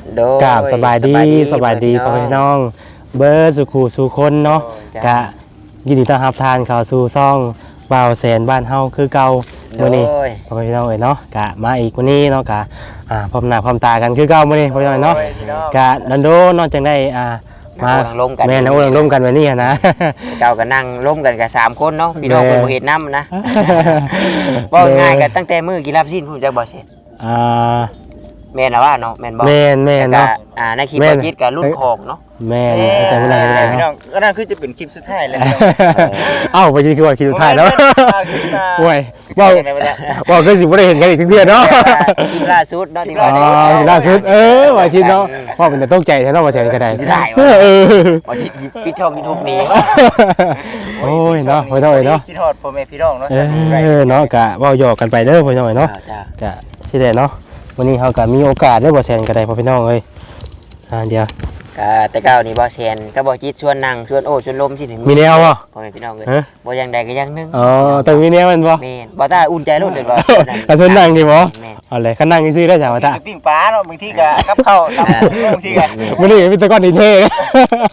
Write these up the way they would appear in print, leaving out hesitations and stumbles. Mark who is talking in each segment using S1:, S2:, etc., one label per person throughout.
S1: กราบสบายดีพ่อแม่น้องเบิร์ดสุขูสู่คนเนาะกะยินดีต้อนรับทานข่าวสู่ซ่องบ่าวแสนบ้านเฮาคือเก่ามื้อนี้พ่อแม่น้องเนาะกะมาอีกมื้อนี้เนาะกะพร้อมหน้าพร้อมตากันคือเก่ามื้อนี้พ่อแม่น้องเนาะกะดันโดนอกจังได้มาแม่นเอาร่วมกันแบบนี้นะ
S2: เก่าก็นั่งร่วมกันกับ3คนเนาะพี่น้องเพิ่นบ่เฮ็ดนำนะบ่ง่ายกันตั้งแต่มื้อกินลาบซีนพุ่นจักบ่เสร็จแม่นล่ะว่าเนาะแม่นบ่
S1: แม่นเนาะ
S2: ในคลิปบ่จิตก็รุ่นของเนาะ
S1: แม่นแต่เวลา
S3: พี่น้องก็นั่นคือจะเป็นคลิปสุดท้ายแล้ว
S1: เอ้าบ่จิคือว่าคลิปสุดท้ายเนาะโอ้ยบ่คือสิบ่ได้เห็นกันอีกทุกเทื่อเนาะ
S2: คลิปล่าสุดเนาะที่ว่า
S1: ล่าสุดว่าคิดเนาะว่าเป็นแต่ตกใจแท้เนาะว่าแสนก็ได้
S2: ว่าปิดช่อง YouTube นี้
S1: โอ้ยเนาะพ่อน้อยเนาะ
S3: คิดฮอดพ่อแม่พี่น้องเนาะ
S1: เนาะกะเว้าหยอกกันไปเด้อพ่อน้อยเนาะกะสิได้เนาะวันนี้เฮาก็มีโอกาสได้บ่แสนก็ได้พ่อพี่น้องเอ้ยเดี๋ยว
S2: แต่เก่านี่บ่แซนก็บ่จิตชวนนั่งชวนโอ้ชวนลมสิถึง
S1: มีแนวบ่
S2: พ่อแม่พี่น้องเอ้ยบ่อย่างใดก็อย่างนึง
S1: ต้องมีแนวมันบ่
S2: แม่นบ่ตาอุ่นใจโลดเลยบ่
S1: ชวนนั่งดิบ่เอาเลยคันนั่งซื่อได้จ้ะว่าตา
S3: ปิ้งปลาเนาะบางทีก็กับข้าวตำบางทีก็
S1: มื้อนี้มีแต่ก้อนดินเท่เนาะ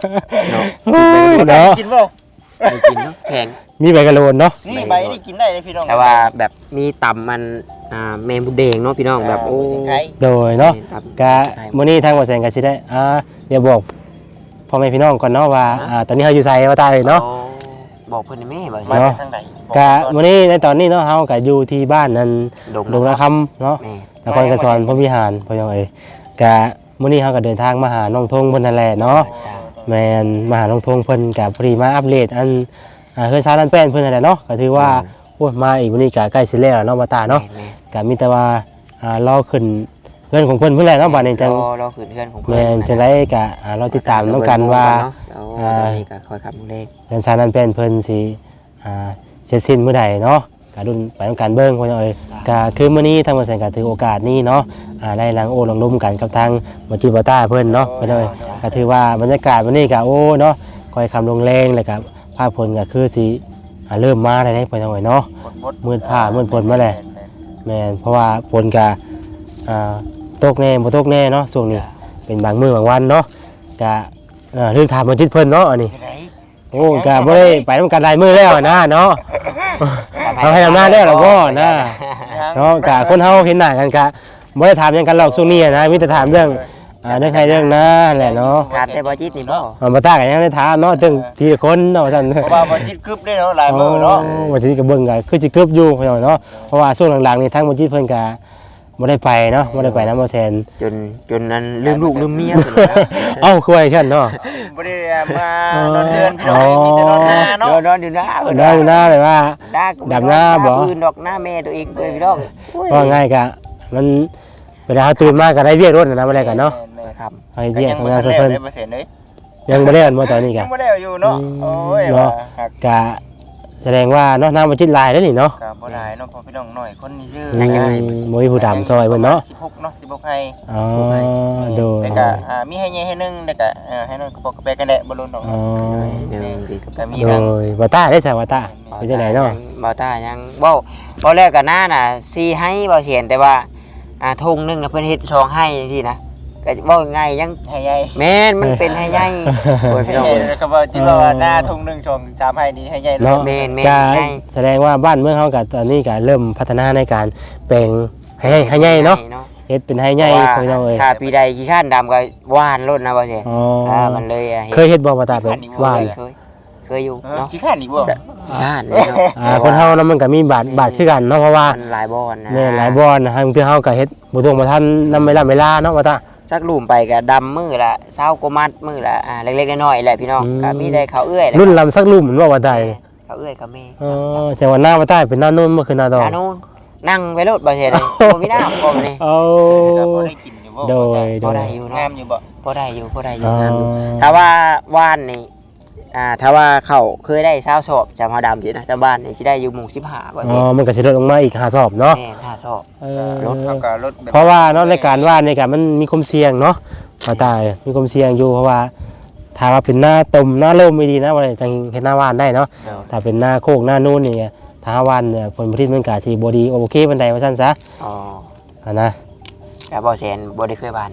S3: กินบ่
S2: กินเนาะแข็ง
S1: มีใบกะโลนเนาะ
S3: นี่ใบนี่กินได้เลยพี่น้อง
S2: แต่ว่าแบบมีต่ำมันแมงบุแดงเนาะพี่น้องแบบโอ้
S1: โดยเนาะกะมื้อนี้ทางบ่แสนก็สิได้เดี๋ยวบอกพ่อแม่พี่น้องก่อนเนาะว่าตอนนี้เฮาอยู่ไสว่าตาเอ้ยเนาะ
S2: บอกเพิ่นแม่บ่
S3: มาทางใด
S1: กะมื้อนี้ในตอนนี้เนาะเฮาก็อยู่ที่บ้านนั้นดงนาคำเนาะนครกระชอนพรหมวิหารพ่อน้องเอ้ยกะมื้อนี้เฮาก็เดินทางมาหาน้องทงเพิ่นนั่นแหละเนาะแม่นมาหาน้องทงเพิ่นก็พอดีมาอัปเดตอันเฮือนชาวนั่นแป้นเพิ่นนั่นแหละเนาะก็ถือว่าโอ้มาอีกมื้อนี้ก็ใกล้สิแล้วเนาะมาตาเนาะก็มีแต่ว่ารอขึ้นเรื่องของเพิ่นเพิ่นแหละเนาะบัดนี้จัง
S2: รอขึ้นเรื่องของเพิ่น
S1: แม่นจังได๋ก็เราติดตามนำกันว่า
S2: นี่ก็คอยขับเลข
S1: เรื่องชาวนั่นแป้นเพิ่นสิเสร็จสิ้นมื้อใดเนาะก็รุ่นไปนำกันเบิ่งพ่อน้องเอ้ยก็คือมื้อนี้ทางบ่แสนก็ถือโอกาสนี้เนาะได้ลังโอ้ลังล้มกันกับทางบ่จิบ่ตาเพิ่นเนาะพ่อน้องเอ้ยก็ถือว่าบรรยากาศวันนี้ก็โอ้เนาะค่อยคำลงแรงแล้วก็ภาพผลก็คือสิเริ่มมาได้พ่อน้องเอ้ยเนาะมืดผ้ามืดฝนมาแล้วแม่นเพราะว่าฝนก็ตกแน่บ่ตกแน่เนาะช่วงนี้เป็นบางมื้อบางวันเนาะก็เรื่องถามบ่จิตเพิ่นเนาะอันนี้โอ้ก็บ่ได้ไปนำกันหลายมื้อแล้วนะเนาะเฮาให้ทำหน้าแล้วล่ะบ่นะเนาะก็คนเฮาเห็นหน้ากันก็บ่ได้ถามหยังกันหรอกช่วงนี้นะมีแต่ถามเรื่องเรื่องใครเรื่องนะแหละเนาะ
S2: ถามแต่บ่จิตนี่บ่
S1: บ่ตาก็ยังได้ถามเนาะถึงทีละคนเนาะซั่น
S3: เพราะว่าบ่จิตกึบได้เนาะหลายมื้อเนาะ
S1: บ่จิตก็เบิ่งก็คือสิกึบอยู่พ่อเนาะเพราะว่าช่วงหลังๆนี่ทางบ่จิตเพิ่นก็บ่ได้ไปเนาะบ่ได้ไปนำบ่แซน
S2: จนนั้นลืมลูกลืมเมีย
S1: เอ้าคือว่าซั่นเนาะ
S3: บ่ได้มานอนเดือนพี่น้องมีแต่นอนหน้าเนาะ
S2: นอนอยู่หน้า
S1: เลยว่าดำหน้าบ่
S2: อื่นดอกหน้าแม่ตัวเองเลยพี่น้อง
S1: ว่าง่ายก็มันเวลาตื่นมาก็ได้เวียกรถนะบ่ได้กันเนาะ
S2: ครับ
S1: ให้เวียกทำงานซะเพิ่นยังบ่ได้อันบ่ตอนนี้ก็
S3: ยังบ่ได้อยู่เนาะโอ้ย
S1: ก็แสดงว่าเนาะน้ำบ่จิตลายแล้วนี่เนาะ
S3: ก็บ่หลายเนาะพอพี่น้องน้อยคนนี้ชื่อ
S1: บ่มีผู้ดำซอยเพิ่นเนาะ
S3: 16เนาะ16ให้
S1: ดู
S3: แต่ก็มีให้ใหญ่ให้นึงแต่ก็ให้น้อยก็ปกแปกันแหละบ่ล้นดอก
S2: ก็
S3: มี
S1: ทางบ่ตาได้ซะบ่ตาเป็นจังได๋เนาะ
S2: บ่ตายังบ่แรกก็หน้าน่ะ4ให้บ่เห็นแต่ว่าธงนึงน่ะเพิ่นเฮ็ด2ให้จังซี่นะก็บ่ง่ายยัง
S3: ให้ใหญ่
S2: แม่นมันเป็นให้ใหญ่
S3: โอ้ยพี่น้องก็ว่าจิว่าหน้าธง1 2 3ให้นี่ให้ใหญ่เลย
S2: แม่น
S1: แสดงว่าบ้านเมืองเฮาก็ตอนนี้ก็เริ่มพัฒนาในการแปลงให้ใหญ่เนาะเฮ็ดเป็นให้ใหญ่พี่น้องเอ้ย
S2: ถ้าปีใดขี้ข้านดำก็หวานล้นนะบ่ใช่มันเลย
S1: เคยเฮ็ดบ่บ่ตาเป็นหวาน
S2: เคยอยู่เนาะ
S3: ขี้ข้านอีกบ่
S2: ขี้ข้านเ
S1: นาะคนเฮามันก็มีบาดคือกันเนาะเพราะว่า
S2: หลายบ่อนนะ
S1: แม่หลายบ่อนนะบางทีเฮาก็เฮ็ดบ่ตรงบ่ทันนำเวลาเนาะว่าตา
S2: สักลุ่มไปก็ดำมือละ20กว่ามัดมือละเล็กๆน้อยๆแหละพี่น้องก็มีได้เขาเอื้อย
S1: รุ่นลำสักลุ่มมันว่าได้
S2: เขาเอื้อยเขาแม่
S1: แต่ว่าหน้าว่าใต้เป็นหน้าโน้นบ่คือหน้าดอก
S2: หน้าโน้นนั่งไว้รถบ่ใช่เลยบ่มีน้ำบ่นี่
S3: พอได้กินอยู่บ่
S2: พอได้อยู่เนาะ
S3: งามอยู่บ่
S2: พอได้อยู่งามอยู่ถ้าว่าว่านนี่ถ้าว่าเขาเคยได้20สอบจำเฮาดำสินะชาวบ้านนี่สิได้อยู่หมู่15บ่
S1: อ๋อมันก็สิลดลงมาอีก5สอบเนาะ
S2: แม่5สอบ
S3: รถเขาก็รถ
S1: เพราะว่าเนาะในการว่านนี่ก็มันมีความเสี่ยงเนาะว่าตายมีความเสี่ยงอยู่เพราะว่าถ้าว่าเป็นหน้าตมหน้าลมไม่ดีนะว่าจังเฮ็ดหน้าว่านได้เนาะถ้าเป็นหน้าโคกหน้านู่นนี่ถ้าว่านเนี่ยผลผลิตมันก็สิบ่ดีโอเคปานใดว่าซั่นซะนะ
S2: แต่บ่แซนบ่ได้เคยบ้านบ่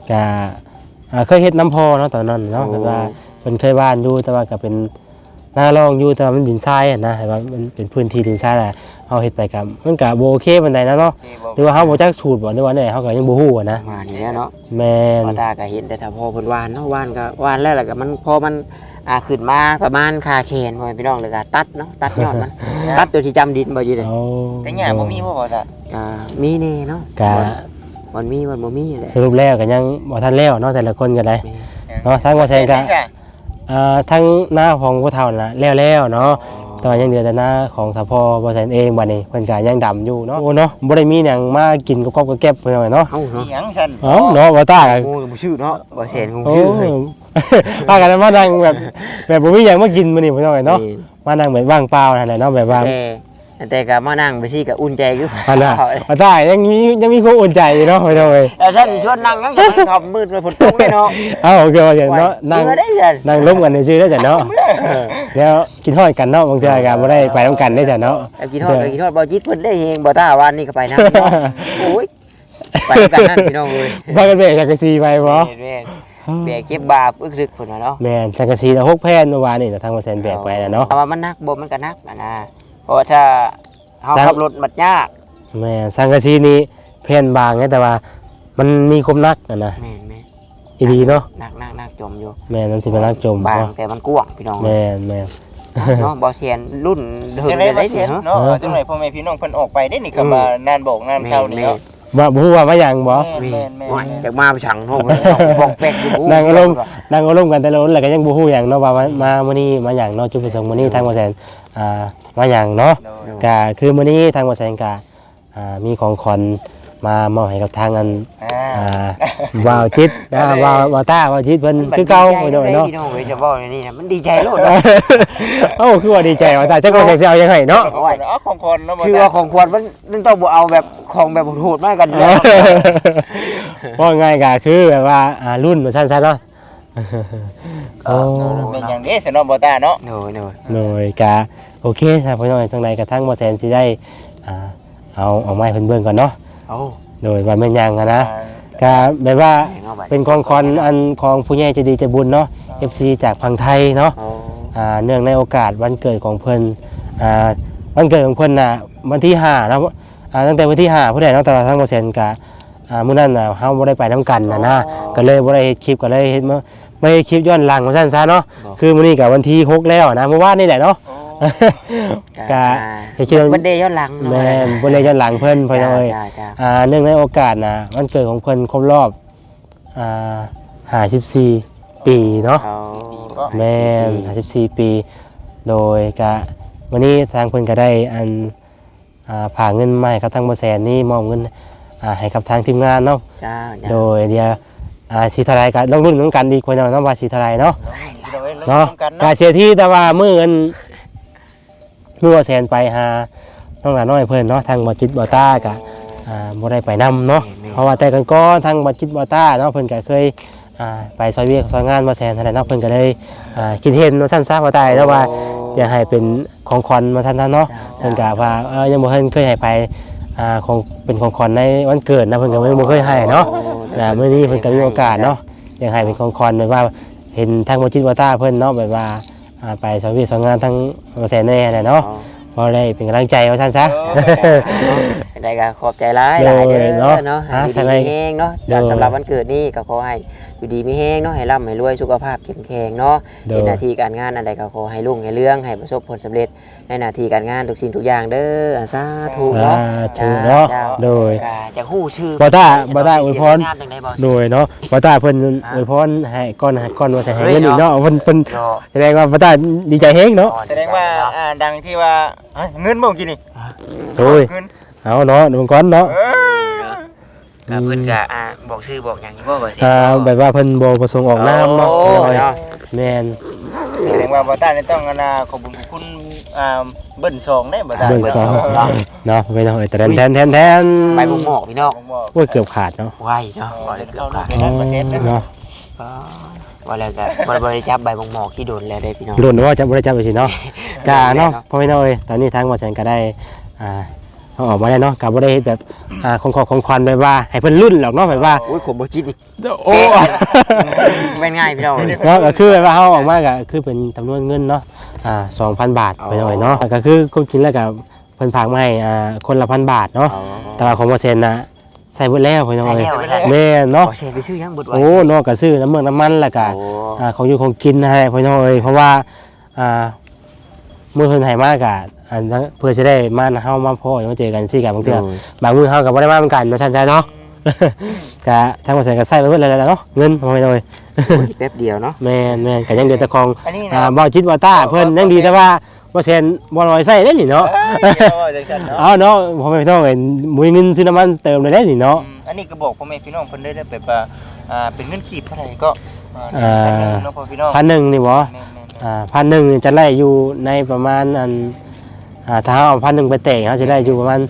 S1: ก็เคยเฮ็ดน้ำพอเนาะตอนนั้นเนาะแต่ว่าเพิ่นเคยบ้านอยู่แต่ว่าก็เป็นหน้ารองอยู่แต่ว่ามันดินทรายอะนะแต่ว่ามันเป็นพื้นที่ดินทรายแหละเฮาเฮ็ดไปก็มันก็บ่โอเคปานใดนะเนาะหรือว่าเฮาบ่จักสูตรบ่หรือว่าเนี่ยเฮาก็ยังบ่ฮู้อะนะ
S2: มานี่แหละเนาะ
S1: แม่น
S2: พ่อตาก็เห็นแต่ถ้าพ่อเพิ่นหวานเนาะหวานก็หวานแล้วก็มันพอมันขึ้นมาประมาณคาแขนพ่อพี่น้องเลยก็ตัดเนาะตัดยอดมันตัดตัวที่จำดินบ่อยู่เลย
S1: เอา
S3: แต่หญ้าบ่มีบ่ตา
S2: ก็มีแน่เนาะ
S1: ก็
S2: มันมีมันบ่มีแหละ
S1: สรุปแล้วก็ยังบ่ทันแล้วเนาะแต่ละคนก็ได้
S2: มี
S1: เนาะทางว่าแซงก็ทั้งหน้าของผู้เฒ่าน่ะแล้วเนาะแต่ว่ายังเหลือแต่หน้าของสะพอบ่แซนเองบัดนี้เพิ่นก็ยังดำอยู่เนาะโอ้เนาะบ่ได้มีหยังมากินกับกอบกับแก็บเพิ่นเอาไว้เนาะ
S2: เอ้า
S3: มี
S2: เนาะ
S3: หยังซั่น
S1: เอ้าเนาะบ่ตาก็
S2: โอ้ยบ่ชื่อเนาะบ่เห็นคง
S1: โอ้
S2: ชื่อเลย
S1: พากันมานั่งแบบบ่มีหยังมากินมื้อนี้เพิ่นเอาไว้เนาะมานั่งแบบว่างเปล่านั่นแหละเนาะแบบว่า
S2: แต่ก็มานั่งไปซี่ก็อุ่นใจอยู่
S1: อันน่ะบ่ตายังมีความอุ่นใจอยู่เนาะเพิ่นเอาไว้
S2: แล้วท่านสิชวนนั่งยังจะมันขับมืดไปฝนตกเลยเนาะ
S1: เอ้าโอเคว่าอย่างเนาะนั่ง
S2: เมื่อได้จัน
S1: นั่งร่วมกันซื่อๆได้จ้ะเนาะแล้วกินฮอดกันเนาะบางเทื่อก็บ่ได้ไปนํกันได้จ้ะเนาะ
S2: แล้วกินฮอดก็กินฮอดบ่จิตเพิ่นได้เฮงบ่ตาวันนี้ก็ไปนํเนาะโอ้ยไปกันนั่นพี่น้องเอ้ย
S1: พากันแบกจักรซีไปบ่
S2: แม่แบกเก็บบาปอึกๆพุ่นน่ะเนาะ
S1: แม่นจักรซีละ6แผ่นเมื่อวานนี่ทางว่าแซนแบกไปน่ะเนาะ
S2: แต่ว่ามันหนักบ่มันก็หนักนะเพราะว่าถ้าเฮาขับรถมันยาก
S1: แม่นสังกะสีนี่แผ่นบางไงแต่ว่ามันมีความนักน่ะนะ
S2: แม่น
S1: อีหลีเนาะ
S2: หนักจมอยู่
S1: แม่นมันสิเป็นนักจม
S2: บาง
S1: เนาะ
S2: แต่มันกว้างพี่น้อง
S1: แม่นแม่น
S2: เนาะบ่เซียนรุ่นเดิม
S3: จังได๋
S2: ได้
S3: บ่
S2: สิ
S3: เสีย
S2: เนาะ
S3: เนาะจังได๋พ่อแม่พี่น้องเพิ่นออกไปได้นี่คำว่านานบอกนานเช้านี่เนาะ
S1: ว่าบ่ฮู้ว่ามาหยังบ่
S3: แม่น
S2: จากมาไปสั่งโน่บอกแปลกอยู่
S1: นั่งอารมณ์กันแต่ละคนแล้วก็ยังบ่ฮู้หยังเนาะว่ามามื้อนี้มาหยังเนาะจุดประสงค์มื้อนี้ทางว่าแซนมาหยังเนาะก็คือมื้อนี้ทางว่าแซนก็มีของขวัญมามอบให้กับทางอันวาวจิตวาวต้าวาวจิตเพิ่นคือเก่าพี่น้องเนาะ
S2: พี่น้องเอ้ยจะบอกนี่นะมันดีใจโลดเนาะ
S1: เอ้าคือว่าดีใจว่าตาจักว่าจะเอายังไงเนาะ
S3: เอาของคนเนาะ
S2: ชื่อว่าของควรมันต้องบ่เอาแบบของแบบโหดมากกันอยู่แล้ว
S1: ว่าง่ายก็คือแบบว่ารุ่นมันสั้นๆเนาะโอ้
S3: เป็นอย่างนี้สนอบ่ตาเนาะ
S2: หน่อย
S1: หน่อยก็โอเคครับพี่น้องจังได๋กระทั่งบ่แซนสิได้เอาไม้เพิ่นเบิ่งก่อนเนาะ
S2: โอ้
S1: โดยว่าแม่นยังอะนะก็แบบว่าเป็นของขวัญอันของผู้ใหญ่ใจดีใจบุญเนาะ FC จากฝั่งไทยเนาะเนื่องในโอกาสวันเกิดของเพิ่นวันเกิดของเพิ่นน่ะวันที่5เนาะตั้งแต่วันที่5ผู้ใดเนาะแต่ว่าทั้งบ่แซนก็มื้อนั้นน่ะเฮาบ่ได้ไปนํกันนะก็เลยบ่ได้เฮ็ดคลิปก็เลยเฮ็ดมาไม่ได้คลิปย้อนหลังว่าซั่นซะเนาะคือมื้อนี้ก็วันที่6แล้วนะเมื่อวานนี่แหละเนาะก็เฮ็ดคลิป
S2: มันเดย์ย้อนหลัง
S1: แม่นบ่ได้ย้อนหลังเพิ่นเพิ่นเอ้ยเนื่องในโอกาสนะวันเกิดของเพิ่นครบรอบ54ปีเนาะแม่น54ปีโดยก็วันนี้ทางเพิ่นก็ได้ผ่าเงินมาให้กับทางบ่แสนนี่มอบเงินให้กับทางทีมงานเนาะโดยเดี๋ยวสิเท่าไหร่ก็ลองรุ่นนำกันดีกว่าเนาะว่าสิเท่าไหร่เนาะเนาะก็เสียที่แต่ว่ามื้อเงินมื้อบ่แสนไปหาน้องหลานน้อยเพิ่นเนาะทางบ่จิตบ่ตาก็บ่ได้ไปนำเนาะเพราะว่าแต่ก่อนทางบ่จิตบ่ตาเนาะเพิ่นก็เคยไปซอยเวียกซอยงานบ่แสนเท่านั้นเนาะเพิ่นก็เลยคิดเห็นว่าซั่นซะบ่ตายแล้วว่าอยากให้เป็นของขวัญมาซั่นเนาะเพิ่นก็ว่ายังบ่เคยให้ไปของเป็นของขวัญในวันเกิดนะเพิ่นก็บ่เคยให้เนาะมื้อนี้เพิ่นก็มีโอกาสเนาะอยากให้เป็นของขวัญแบบว่าเห็นทางบ่จิตบ่ตาเพิ่นเนาะแบบว่าไปซอยเวียกซอยงานทางบ่แสนแน่แหละเนาะพอได้เป็นกำลังใจว่าซั่นซะ
S2: ได้ก็ขอบใจหลายเด้อเนาะดีมีแฮงเนาะสำหรับวันเกิดนี้ก็ขอให้อยู่ดีมีแฮงเนาะให้ร่ำให้รวยสุขภาพเข้มแข็งเนาะในหน้าที่การงานอันใดก็ขอให้รุ่งให้เรืองให้ประสบผลสำเร็จในหน้าที่การงานทุกสิ่งทุกอย่างเด้อสาธุเนาะ
S1: เนาะโดย
S2: จะฮู้ชื่อ
S1: บ่ตาอวยพรโดยเนาะบ่ตาเพิ่นอวยพรให้ก่อนว่าสิให้เงินอีกเนาะเพิ่นแสดงว่าบ่ตาดีใจแฮงเนาะ
S3: แสดงว่าดังที่ว่าเงินบ่กินนี่
S1: โอ้ยเอาเนาะดูก่อนเนาะ
S2: ก็เพิ่นก็บอกชื่อบอกหยังบ่บ่สิ
S1: แบบว่าเพิ่นบ่ประสงค์ออกนามเนาะแม่น
S3: แสดงว่าบ่ตานี่ต้องขอบคุณเบิ้ล2ได้บ่ตา
S1: เบิ่งซองเนาะไปเนาะแต่แทน
S2: ใบบุกหมอกพี่น้อง
S1: โอ้ยเกือบขาดเนาะ
S2: ไวเนาะบ่ได้เกือบขาด
S1: เนาะ
S2: ว่าแล้วก็บ่ได้จับใบบุกหมอกที่โดนแล้วได้พี่น้อง
S1: รุ่นว่าจะบ่ได้จับไปสิเนาะกะเนาะพ่อพี่น้องเอ้ยตอนนี้ทางบ่แสนก็ได้เอาออกมาได้เนาะก็บ่ได้เฮ็ดแบบของควันแบบว่าให้เพิ่นรุ่นหรอกเนาะแบบว่า
S2: โอ้ยขมบ่จิตนี่
S1: โอ้
S2: เป็นง่ายพี่น้อง
S1: เนาะก็คือแบบว่าเฮาออกมาก็คือเป็นจำนวนเงินเนาะ2,000 บาทไปหน่อยเนาะก็คือความจริงแล้วก็เพิ่นฝากมาให้คนละ1,000 บาทเนาะแต่ว่าของบ่เซ็นน่ะใส่เบิดแล้วไปหน่อยแม่เนาะ
S2: ขอแชร์ไปชื่อยังเบิดไว้
S1: โอ้เนาะก็ซื้อน้ำมันแล้วก็
S2: โอ้
S1: ของอยู่ของกินให้ไปหน่อยเพราะว่ามื้อเพิ่นให้มากะเพื่อจะได้มาเฮามาพ้อมาเจอกันซี่กันบางเทื่อบางมื้อเฮาก็บ่ได้มาเหมือนกันมาซั่นใจเนาะ ก็ทางบ่ใส่ก็ใส่ไปเบิดแล้วเนาะเงินเอาไปหน่อย
S2: แป๊บเดียวเนาะ
S1: แม่นก็ยังเดือแต่ของ
S3: อันนี้นะ
S1: บ่จิตบ่ต้าเพิ่นยังดีแต่ว่าบ่เซ็นบ่ลอยใส่ได้นี่เนาะ
S3: จังซั่นเนาะ
S1: เอาเนาะพ่อแม่พี่น้องเอ้ยบ่มีเงินซื้อน้ำมันเติมเลยได้นี่เนาะ
S3: อันนี้ก็บอกพ่อแม่พี่น้องเพิ่นได้แบบว่าเป็นเงินกีบเท่าไหร่ก็เนาะพ่อพี่น้อง
S1: 1,000นี่บ่
S3: แม่น
S1: 1,000นี่จะไล่อยู่ในประมาณถ้าเอา1,000ไปแต่งเขาจะได้อยู่ประมาณ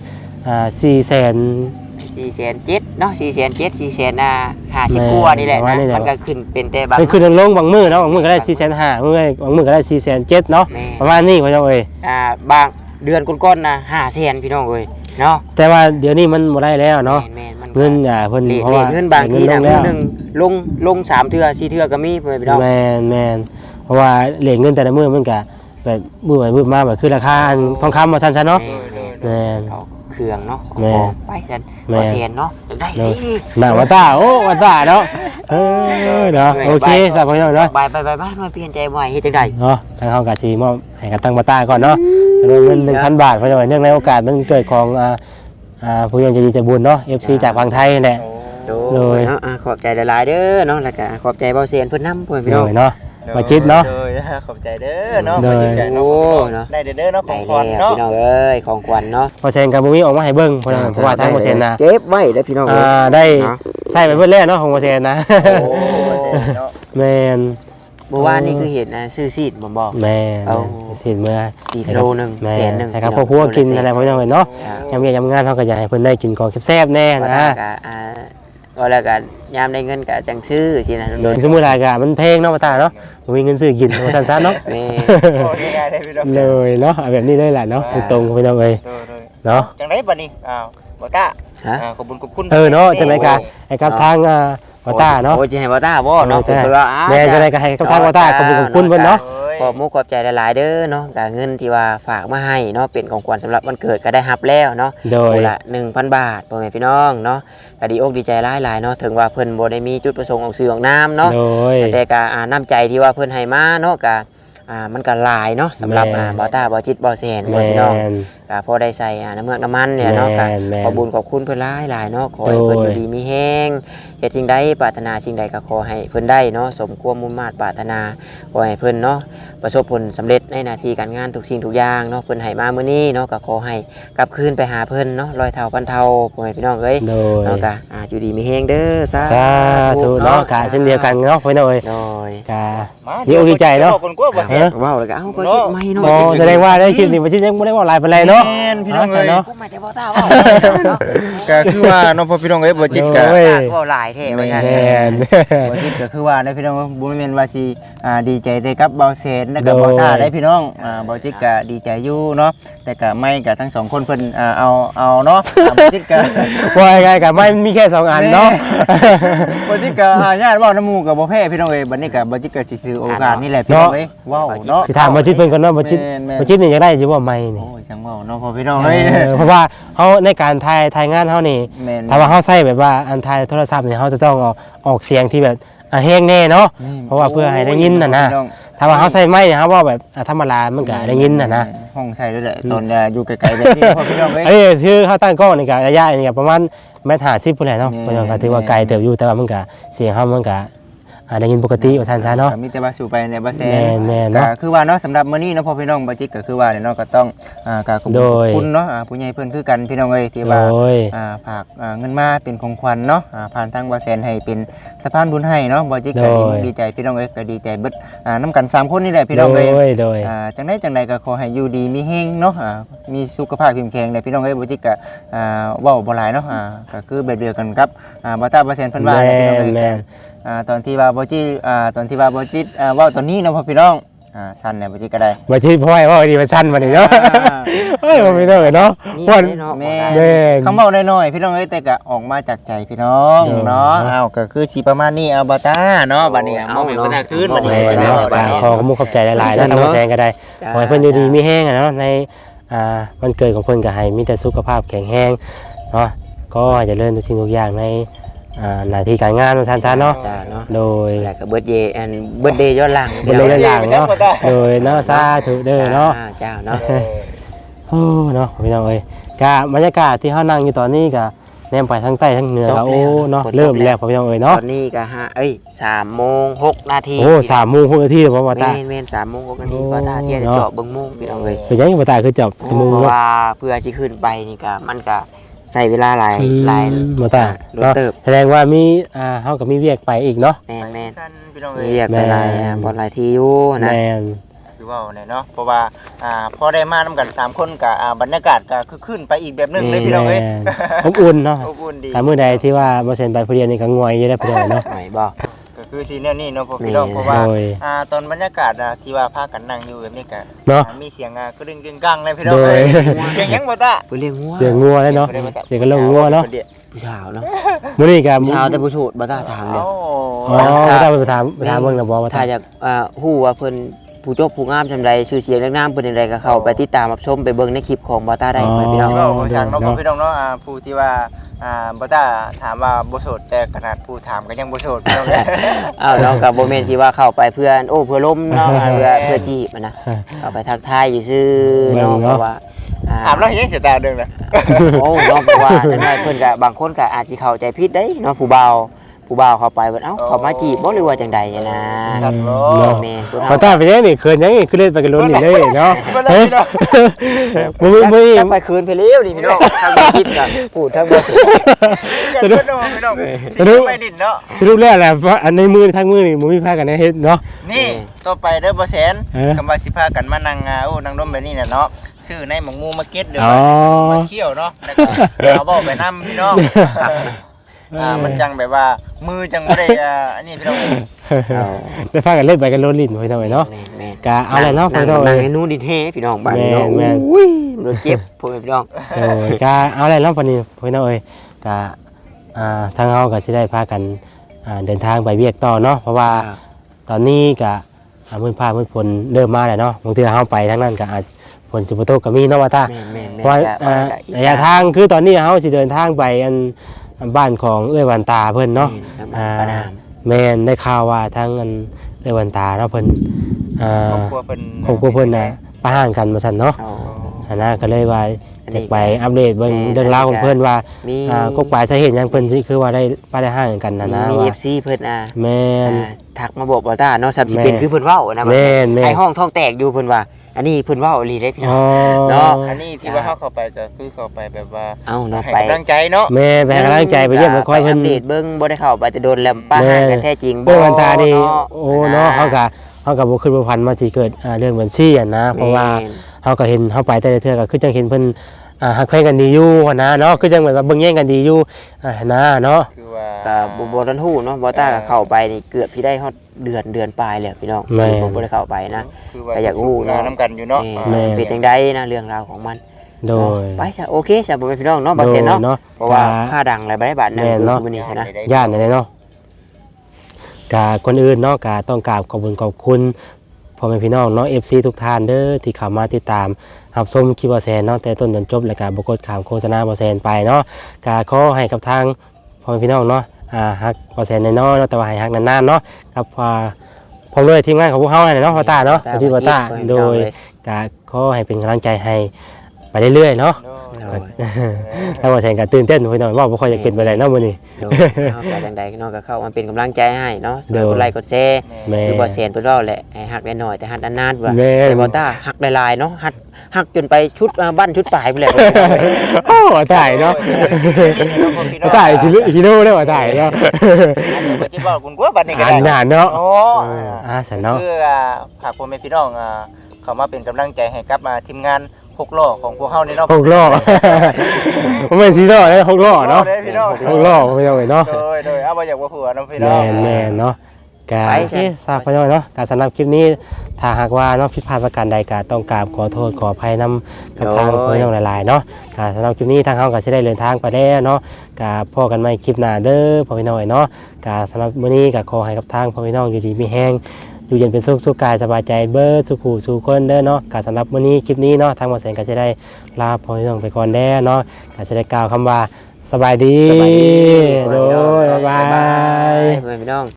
S2: 4,700,000เนาะ4,700,000 4,50,000กว่านี่แหละนะมันก็ขึ้นเป็นแต่บาง
S1: เป็นขึ้นลงบางมือเนาะบางมือก็ได้4,500บางมือก็ได้4,700เนาะ
S2: แม่
S1: ประมาณนี้พ่อเจ้าเอ้ย
S2: บางเดือนก้นๆนะ500,000พี่น้องเอ้ยเนาะ
S1: แต่ว่าเดี๋ยวนี้มันบ่ได้แล้วเนาะ
S2: แม่นๆมัน
S1: เงินเพิ่น
S2: เล
S1: เพราะว่า
S2: ทเงินบางทีนะ
S1: เงิ
S2: มื้
S1: ล
S2: อง นึงลง3เทื่อ4เทื่อก็มีเพิ่นพี่น้อง
S1: แม่นเพราะว่าเหรียญเงินแต่ละมื้อมันก็แบบมื้อไปมื้อมาแบบคือราคาทองคำว่าซั่นๆเนาะแม่น
S2: เอาเครื่องเนาะ
S1: แม่
S2: ของไปซั่น
S1: แม่
S2: บ่เซียนเนาะจังได้
S1: เนาะ
S2: อีก
S1: น่าว่าตาโอ้ว่าตาเนาะเนาะโอเคสบายเนาะ
S2: ไปบ้านมาเปลี่ยนใจบ่อยเฮ็ดจังได๋
S1: เนาะทางเฮากะสิมอบให้กับทางบาต้าก่อนเนาะจำนวนเงิน 1,000 บาทเพราะว่าเนื่องในโอกาสมันเกิดของผู้ใหญ่ใจดีใจบุญเนาะ FC จากฝั่งไทยนั่นแหละ
S2: โดยเนาะขอบใจหลายๆเด้อเนาะแล้วก็ขอบใจเบาเซียนเพิ่นนำเพิ่นพี่
S1: โด
S2: น้อง
S1: ยเนาะมาคิดเนาะ
S3: ขอบใจเด้อเนาะ
S1: โดย
S3: มาคิดกันเนาะ
S2: โอ้เนาะ
S3: ได้เด้อเนาะข
S2: ได้
S3: องข
S2: แล้
S3: วั
S2: ว
S3: ญเนาะ
S2: พี่น้องเอ้ยของขวัญเนาะ
S1: พอเซนกับบ่มีออกมาให้เบิ่งเพราะว่าทางบ่เซนนะ
S2: เก็บไว้เด้อพี่น้องเอ้ย
S1: ได้
S2: เนาะ
S1: ใส่ไปเบิดแล้วเนาะของบ่เซนนะ
S3: โอ้เนาะ
S1: แม่น
S2: เมื่อวานนี่คือเห็นซื้อซีดบ่บอก
S1: แม่น
S2: เอา
S1: สิเมื่อ
S2: อีกโลนึง
S1: แม่
S2: แสนนึง
S1: ให้ครับครอบครัวกินอะไรพวกนี้เนาะยามเวียกยามงานเฮาก็อยากให้เพิ่นได้กินของแซ่บๆแน่
S2: ก็
S1: นะ
S2: ก็แล้วกันยามได้เงินก็จังซื้อสินะ
S1: โดยสมมุติว่าก็มันแพงเนาะบ่ตาเนาะบ่มีเงินซื้อกินว่าซั่นๆเนาะ
S2: แม่
S3: โอ้ง่ายๆเลยพี่น้อง
S1: เลยเนาะเอาแบบนี้เลยแหละเนาะตรงๆพี่น้องเอ้ย เนาะ
S3: จังได๋บัดนี้บ่ต้า
S2: ฮะ
S3: ขอบคุณ
S1: เนาะจังได๋ก็ให้กับทางบ่ตาเนาะ
S2: โอ้ยสิให้บ่ต้าบ่เนาะ
S1: ใช่
S2: เพิ่นว่าอ้า
S1: แม่จังได๋ก็ให้กับทางบ่ตาขอบคุณเพิ่นเนาะ
S2: ขอบมุกขอบใจหลายๆเด้อเนาะก็เงินที่ว่าฝากมาให้เนาะเป็นของขวัญสำหรับวันเกิดก็ได้รับแล้วเนาะ
S1: โดย
S2: คนละ 1,000 บาทพ่อแม่พี่น้องเนาะก็ดีอกดีใจหลายๆเนาะถึงว่าเพิ่นบ่ได้มีจุดประสงค์ออกสื่อออกนามเนาะ
S1: โดย
S2: แต่ก็น้ำใจที่ว่าเพิ่นให้มาเนาะก็มันก็หลายเนาะสำหรับ
S1: แม่น
S2: บ่าวตาบ่าวจิตบ่าวแสนพ่อ
S1: แม่
S2: แม่พี่น้อง
S1: น
S2: ก็พอได้ใส่น้ำเมือกน้ำมันเนี่ยเนาะ
S1: แม่
S2: ก็
S1: นแม่น
S2: ขอบุญขอบคุณเพิ่นหลายๆเนาะขอให้เพิ่น
S1: โด
S2: อย ยู่ดีมีแฮงเฮ็ดสิ่งใดปรารถนาสิ่งใดก็ขอให้เพิ่นได้เนาะสมความมุ่งมา่ปรารถนาขอให้เพิ่นเนาะประสบผลสำเร็จในหน้าที่การงานทุกสิ่งทุกอย่างเนาะเพิ่นให้มามื้อนี้เนาะก็ขอให้กลับคืนไปหาเพิ่นเนาะร้อยเท่าพันเท่าพ่อแม่พี่น้องเอ้ย
S1: โดย
S2: เนาะก็อยู่ดีมีแฮงเด้อสา
S1: สาธุเนาะกะเช่นเดียวกันเนาะพี่น้องเอ้ย
S2: โดย
S1: กะ ดีอกดีใจเนาะ
S3: คนกลัวบ่เสีย
S2: ว้าวแล้วก็เอ้าก็จิตไม่เนาะ
S1: โอ้แสดงว่าได้คลิปนี้บ่จิยังบ่ได้ว่าหลายปานใดเนาะ
S3: แม่นพี่น้องเอ้ย
S1: เนาะ
S2: กูไม่แต่บ่ตาเว้าเนาะ
S3: ก็คือว่าเนาะพ่อพี่น้องเอ้ยบ่จิตก็
S1: โอ้ย
S2: เว้าหลายแท้ว่าซั่น
S1: แม่น
S3: บ่จิตก็คือว่าได้พี่น้องบ่แม่นว่าสิดีใจแต่กับเบาเซนแล้วก็
S1: โดย
S3: บ่ตาได้พี่น้องบ่จิตก็ดีใจอยู่เนาะแต่ก็ไม่ก็ทั้งสองคนเพิ่นเอาเนาะบ่จิตก็
S1: ว่ายังไงก็ไม่มีแค่2อันเนาะ
S3: บ่จิตก็ญาติเว้าน้ำหมู่ก็บ่แพ้พี่น้องเอ้ยบัดนี้ก็บ่จิตก็สิถือโอกาสนี่แหละพี่น้องเอ้ยเว้าเนาะ
S1: สิถามบ่จิตเพิ่นก่อนเนาะบ่จิต
S3: แม่น
S1: บ่จิตนี่อยากได้อยู่บ่ไม่นี่
S3: โอ้ยจังเว้าเนาะพ่อพี่น้องเอ้ย
S1: เพราะว่าเฮาในการถ่ายงานเฮานี่
S3: แม่น
S1: ถ้าว่าเฮาใช้แบบว่าอันถ่ายโทรศัพท์นี่เฮาจะต้องเอาออกเสียงที่แบบแห้งแน่เนาะเพราะว่าเพื่อให้ได้ยินน่ะนะ
S3: พี่อง
S1: ถ้าว่าเฮาใช้ไม้เฮาเว้าแบบธรรมดามันก็ได้ยินน่ะนะ
S3: ห้องใส่ด้วยแหละตอนอยู่ไกลๆแบบนี้พ่อพี่น้องเอ้ย
S1: เอ้ยคือเฮาตั้งกล้องนี่ก็ระยะนี่ก็ประมาณ1.50 mพุ่นแหละเนาะเพราะฉะนั้นก็ถือว่าไกลเติบอยู่แต่ว่ามันก็เสียงเฮามันก็ได้ยินปกติว่าซั่นซะเนาะ
S3: มีแต่ว่าสู่ไปในบาเซน
S1: แม่นๆเนาะ
S3: ก็คือว่าเนาะสำหรับมื้อนี้เนาะพ่อพี่น้องบ่จิกก็คือว่าเนี่ยเนาะก็ต้องก็ขอบ
S1: โดย
S3: คุณเนาะผู้ใหญ่เพิ่นคือกันพี่น้องเอ้ยที่
S1: โด
S3: ว่าย ฝากเงินมาเป็นของขวัญเนาะผ่านทางบาเซนให้เป็นสะพานบุญให้เนาะบ่จิกก็ดีมุกดีใจพี่น้องเอ้ยก็ดีใจเบิดนํกัน3คนนี่แหละพี่น้องเอ้ย
S1: โดย
S3: จังใดก็ขอให้อยู่ดีมีแฮงเนาะมีสุขภาพเข้มแข็งเลยพี่น้องเอ้ยบ่จิกก็เว้าบ่หลายเนาะก็คือแบบเดียวกันกับบ่ตาบาเซนเพิ่นว่า
S1: แม่
S3: แหละพี่น้องเอ้ย
S1: นแม่น
S3: ตอนที่ว่าบ่จิเว้าตอนนี้เนาะพ่อพี่น้องสั้นเนี่ยบ่จิก็ได้
S1: บ่ที่พ่อยว่าดีมันสั้นมานี่เนาะเฮ้ยบ่มีเด้อเนาะ
S2: นี่
S1: วัน
S2: เนาะ
S3: แม่
S1: แม่น
S3: คำเว้าน้อยๆพี่น้องเอ้ยแต่ก็ออกมาจากใจพี่น้องเนาะอ้าวก็คือสิประมาณนี้เอาบ่ตาเนาะบัดนี้มองเห็นบ่ตาคืนบัดนี้
S1: แม่นเนาะขอขอบคุณขอบใจหลายๆแล้วทางแสงก็ได้ขอให้เพิ่นอยู่ดีมีแห้งเนาะในวันเกิดของเพิ่นก็ให้มีแต่สุขภาพแข็งแรงเนาะก็เจะเริ่มทุกสิ่งทุกอย่างในหน้าที่การงานของท่านเนาะ
S2: จ้าเนาะ
S1: โดย
S2: แล้วก็เบิร์ดเดย์แอนเบิร์ดเดย์ย้อนหลัง
S1: เป็นระยะยาวเนาะโดยเนาะสาธุเด้อเนาะ
S2: เจ้าเนาะ
S1: โอ้เนาะพี่น้องเอ้ยกะบรรยากาศที่เฮานั่งอยู่ตอนนี้ก็แนมไปทั้งใต้ทั้งเหนือก็โอ้เนาะเริ่มแล้วพี่น้องเอ้ย
S2: ต
S1: เนาะ
S2: อนนี้ก็3:06 นาที
S1: โอ้3 โมง6 นาทีแล้วบ่ว่าตา
S2: แม่น3:06 นาทีก็ตาเที่ยจะเจาะเบิ่งโมงพี่น้องเอ้ย
S1: เป็นยังบ่ตาคือจับ
S2: เพ
S1: มุง
S2: ราะ
S1: เนาะ
S2: ว่าเพื่อสิขึ้นไปนี่ก็มันก็ใช้เวลาหลาย
S1: บ่ตาร
S2: ถ
S1: เนาะ
S2: เติบ
S1: แสดงว่ามีเฮาก็มีเวียกไปอีกเนาะ
S2: แม่น
S3: พี่น้อง
S2: ๆ
S3: เอ้ย
S2: เรียกไปหลายบ่หลายที่อยู่นะ
S1: แม่น
S3: คือว่าเนี่ยเนาะเพราะว่าพอได้มานำกัน3คนก็บรรยากาศก็คือขึ้นไปอีกแบบนึงเลยพี่น้องเอ้ย
S1: แม่นอบอุ่นเนาะ
S3: อบอุ่นดี
S1: ถ้ามื้อใดที่ว่าบ่เซ็นไปผู้เดียวนี่ก็ง่วยอยู่ได้อพี่น้องเนาะ
S2: ไหนบ่
S3: ก็คือซีเนี่ยนี่เนาะพวกพี่น้องเพราะว่า
S1: โดย
S3: ตอนบรรยากาศที่ว่าพากันนั่งอยู่แบบนี้ก็
S1: เนาะ
S3: มีเสียงกระดึงกึ่งกังเลยพี่น้อง
S1: โดย
S3: เอ้ยเสียงหยังบ่ตา
S2: เพิ่นเรียกงัว
S1: เสียงงัวเลยเนาะเสียงกระโหลกงัวเนาะ
S2: ผู้ชาวเนาะ
S1: มื้อนี้ก็
S2: ผู้ชาวแต่ผู้โสดบ่ตาทางเด้
S3: โอ้
S1: อ๋อบ่ตาไปถามเบิ่งนะบ่ว่า
S2: ถ้า
S1: ตา
S2: อยากฮู้ว่าเพิ่นผู้จบผู้งามจำใดชื่อเสียงเรื่องน้ำเพิ่นจังไดก็เข้าไปติดตามรับชมไปเบิ่งในคลิปของบ่ตาได้เพิ่นพี่น้อง
S3: ที่ว่าบ่ช่างเนาะพวกพี่น้องเนาะผู้ที่ว่าบ่ตาถามว่าบ่โสดแต่ขนาดผู้ถามก็ยังบ่โสดพี่น้องเอ้ย
S2: อ้าวเนาะก็บ่แม่นสิว่าเข้าไปเพื่อนเพื่อล้มเนาะเพื่อจีบอะนะเข้าไปทักทายอยู่ซื่อเนาะเพราะว่า
S3: ถามแล้วยังเสียตาเด้งนะ
S2: โอ้เนาะเพราะว่าจังไดเพิ่นก็บางคนก็อาจสิเข้าใจผิดได้เนาะผู้บ่าวเข้าไปเพิ่นเอ้าเขามาจีบบ่หรือว่าจังใดนะ
S3: ครับโ
S1: เนาะ
S2: แม่นผู้
S1: บ่
S2: เฒ่า
S1: ตาไปยังนี่เขินยังนี่คือเล่นไปกันล้นนี่เลยเนาะเฮ้ยบ่มี
S2: จะไปคืนไปเร็วนี่พี่น้องทางบ่คิดก็พูดทางบ่
S3: สนุกพี่น้องสนุกไปดินเนาะ
S1: สรุปแล้วแหละว่าอันในมือทางมือนี่บ่มีพากันได้เฮ็ดเนาะ
S3: นี่ต่อไปเด้อบ่แสน
S1: เออ
S3: กำว่าสิพากันมานั่งนั่งดมแบบนี้น่ะเนาะซื้อในหมองมูมาเก็ตเด้อ
S1: อ๋อ
S3: มาเที่ยวเนาะแล้วก็เอาเว้าไปนำพี่น้องมันจังแบบว่ามือจังบ่ได้อันนี้พี่น้อง
S1: ได้พากันเล่นไปกันล้นลิ้นพี่น้องเนาะ
S2: แม่น
S1: กะเอาเลยเนาะพี่น้อง
S2: นั่งให้นู้นดิเทพี่น้องบ้านนี้เนาะ
S1: แม่น
S2: อุ้ยมันเจ็บพ่อแม่พี่น้อง
S1: โอ้ยกะเอาเลยเนาะปานนี้พี่น้องเอ้ยกะทางเฮาก็สิได้พากันเดินทางไปเวียกต่อเนาะเพราะว่าตอนนี้ก็มื้อฟ้ามื้อฝนเริ่มมาแล้วเนาะบางเทื่อเฮาไปทางนั้นก็อาจฝนสิบ่ตกก็มีเนาะว่าตา
S2: แม่น
S1: เพราะว่าระยะทางคือตอนนี้เฮาสิเดินทางไปบ้านของเอื้อยวันตาเพิ่นเนาะ
S2: ประนาม
S1: แม่นได้ข่าวว่าทางเอื้อยวันตาเนาะเพิ่น
S3: ครอบครัวเพิ่น
S1: ครอบครัวเพิ่นน่ะประหารกันมาซั่นเนาะ
S2: เอา
S1: อันนั้นก็เลยว่า
S2: อันนี้
S1: จะไปอัปเดตเบิ่งเรื่องราวของเพิ่นว่า
S2: มี
S1: กกปลายสาเหตุหยังเพิ่นสิคือว่าได้ห่างกันนะนะ
S2: มี
S1: ว่า
S2: FC เพิ่น
S1: แม่น
S2: ทักมาบอกว่าตาเนาะสับสิ
S1: แม่
S2: เป็นคือเพิ่นเว้านะ
S1: แม่นแม่น
S2: ให้ห้องท้องแตกอยู่เพิ่นว่า อันนี้เพิ่นเว้าอีหลีเด้พี่น้
S1: อ๋
S2: อ
S1: อง
S2: เนาะ
S3: อันนี้ที่ว่าเข้าไปก็คือเข้าไปแบบว่า
S2: เอ้าเนาะ
S3: ให้
S2: ไป
S3: กำลังใจเนาะ
S1: แม่ไปให้กำลังใจไปเยี่ยมไปคอยเพิ่น
S2: อัปเดตเบิ่งบ่ได้เข้าไปแต่โดนแล้วป้า
S1: แม่
S2: หากันแท้จริง
S1: เรื่องวันตานี่
S2: เนาะ
S1: โอ้เนาะเฮาก็บ่คิดบ่พันมาสิเกิดเรื่องบัญชีอ่ะนะเพราะว่า
S2: แม่น
S1: เฮาก็เห็นเฮาไปแต่ละเทื่อก็คือจังเห็นเพิ่นฮักแพงกันดีอยู่หั้นนะเนาะคือจังแบบว่าเบิ่งแย่งกันดีอยู่นะเนาะ
S3: คือว่า
S2: ก็บ่ทันฮู้เนาะบ่ตาก็เข้าไปนี่เกือบสิได้ฮอดเดือนปลายแล้วพี่น้อง
S1: แม่น
S2: ผมบ่ได้เข้าไปนะ
S3: คือว่า
S2: ก็อยากรู้เนาะ
S3: น้ำกันอยู่เนาะ
S1: แม่
S2: เป็นจังไดนะเรื่องราวของมัน
S1: โดย
S2: ไปจ้ะโอเคจ้ะบ่เป็นพี่น้องเนาะบ่เห็นเนาะ
S1: โดย
S2: เพราะว่าค่าดังอะไรบ่ได้บาทนึง
S1: แม่นเนาะ
S2: มื้อนี้นะ
S1: ญาติเนาะกะคนอื่นเนาะกะต้องกราบขอบคุณขอบคุณพ่อแม่พี่น้องเนาะ FC ทุกท่านเด้อที่เข้ามาติดตามรับชมคลิปบ่แซนเนาะแต่ต้นจนจบแล้วก็บ่กดข้ามโฆษณาบ่แซนไปเนาะกะขอให้กับทางพ่อแม่พี่น้องเนาะฮักบ่แซนน้อยๆเนาะแต่ว่าให้ฮักนานๆเนาะกับพร้อมด้วยทีมงานของพวกเฮาเนาะพ่อตาเนาะที่พ่อตาโดยกะขอให้เป็นกำลังใจให้ไปเรื่อยๆเนาะ ถ้าว่าแซงก็ตื่นเต้นพี่น้องว่าบ่ค่อยจะเป็นไปได้เนาะมื้อนี้
S2: โดยเนาะก็จังใดเนาะก็เข้ามาเป็นกำลังใจให้เนาะ
S1: โดย
S2: กดไลค์กดแชร์
S1: แม่
S2: คือบ่แซนเพิ่นเว้าแหละให้ฮักได้น้อยแต่ฮักนานๆว่า
S1: แม่
S2: แต่บ่ตาฮักหลายๆเนาะฮักจนไปชุดบ้านชุดปลายไปเลย
S1: โอ้ตายเนาะตายกิโลได้ว่าตายเนาะ
S3: อันนี้บ่จิว่าคุณกลัวบัดนี้ก็
S1: อั
S3: ได้
S1: นนานเนาะ
S3: โอ้
S1: สันเนาะ
S3: คือฝากพ่อแม่พี่น้องเข้ามาเป็นกำลังใจให้กับทีมงาน6ล้อของพวกเฮานี่เนาะ
S1: 6ล้อบ่แม่น4ล้อเด้6ล้อเนาะ
S3: พี่น้อง
S1: 6ล้อไม่ต้องเนาะ
S3: โดยเอาบ่อยากว่าผัวเนาะพี่น้
S1: แม่
S3: อง
S1: นแม่นเนาะกา
S2: ไป
S1: โอเคทราบพอน้อยเนาะการสำหรับคลิปนี้ถ้าหากว่าเนาะผิดพลาดประการใดก็ต้องกราบขอโทษขออภัยนำกับทางพอน้องหลายๆเนาะการสำหรับคลิปนี้ทางเฮาก็สิได้เดินทางไปแล้วเนาะก็พอกันใหม่คลิปหน้าเด้อพ่อพี่น้อยเนาะก็สำหรับมื้อนี้ก็ขอให้กับทางพ่อพี่น้องอยู่ดีมีแฮงอยู่เย็นเป็นสุขสุขกายสบายใจเบิดสุขหูสู่คนเด้อเนาะก็สำหรับมื้อนี้คลิปนี้เนาะทางหมอแสงก็จะได้ลาพ่อพี่น้องไปก่อนแล้วเนาะก็จะได้กล่าวคำว่าสบายดี
S2: สบายดี
S1: โดยบ๊ายบาย
S2: พี่น้อง